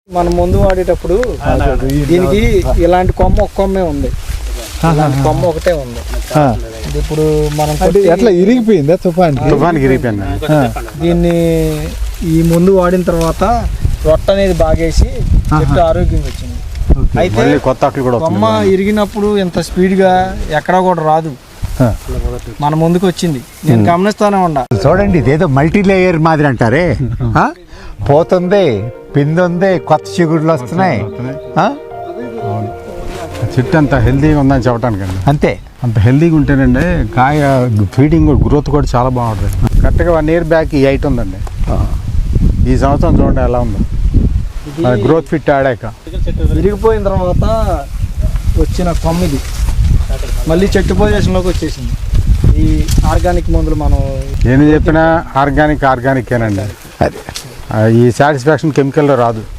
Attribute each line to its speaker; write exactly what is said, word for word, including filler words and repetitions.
Speaker 1: మనం ముందు వాడేటప్పుడు దీనికి ఇలాంటి కొమ్మ ఒక కొమ్మే ఉంది, కొమ్మ ఒకటే ఉంది. ఇప్పుడు మనం
Speaker 2: ఎట్లా ఇరిగిపోయిందా తుఫాన్
Speaker 3: తుఫాన్కి ఇరిగిపోయింది.
Speaker 1: దీన్ని ఈ ముందు వాడిన తర్వాత రొట్ట అనేది బాగేసి చెట్టు ఆరోగ్యంగా వచ్చింది. అయితే
Speaker 3: కొత్త ఆకులు కూడా
Speaker 1: కొమ్మ ఇరిగినప్పుడు ఇంత స్పీడ్గా ఎక్కడా కూడా రాదు, మన ముందుకు వచ్చింది. నేను గమనిస్తానే ఉండా.
Speaker 4: చూడండి, ఇదేదో మల్టీ లేయర్ మాదిరి అంటారే, పోతుంది, పిండి ఉంది, కొత్త చిగురులు వస్తున్నాయి.
Speaker 3: చెట్టు అంత హెల్తీగా ఉందని చెప్పడానికి అండి.
Speaker 4: అంతే,
Speaker 3: అంత హెల్తీగా ఉంటేనండి కాయ ఫీడింగ్ గ్రోత్ కూడా చాలా బాగుంటుంది. కరెక్ట్గా వన్ ఇయర్ బ్యాక్ ఈ హైట్ ఉందండి. ఈ సంవత్సరం చూడండి ఎలా ఉందో గ్రోత్ ఫిట్ ఆడాక.
Speaker 1: విరిగిపోయిన తర్వాత వచ్చిన కొమ్మిది మళ్ళీ చెట్టు పొజిషన్లోకి వచ్చేసింది. ఈ ఆర్గానిక్ మందులు మనం
Speaker 3: ఏమి చెప్పినా ఆర్గానిక్ ఆర్గానిక్ ఏనండి. ఈ సాటిస్ఫాక్షన్ కెమికల్లో రాదు.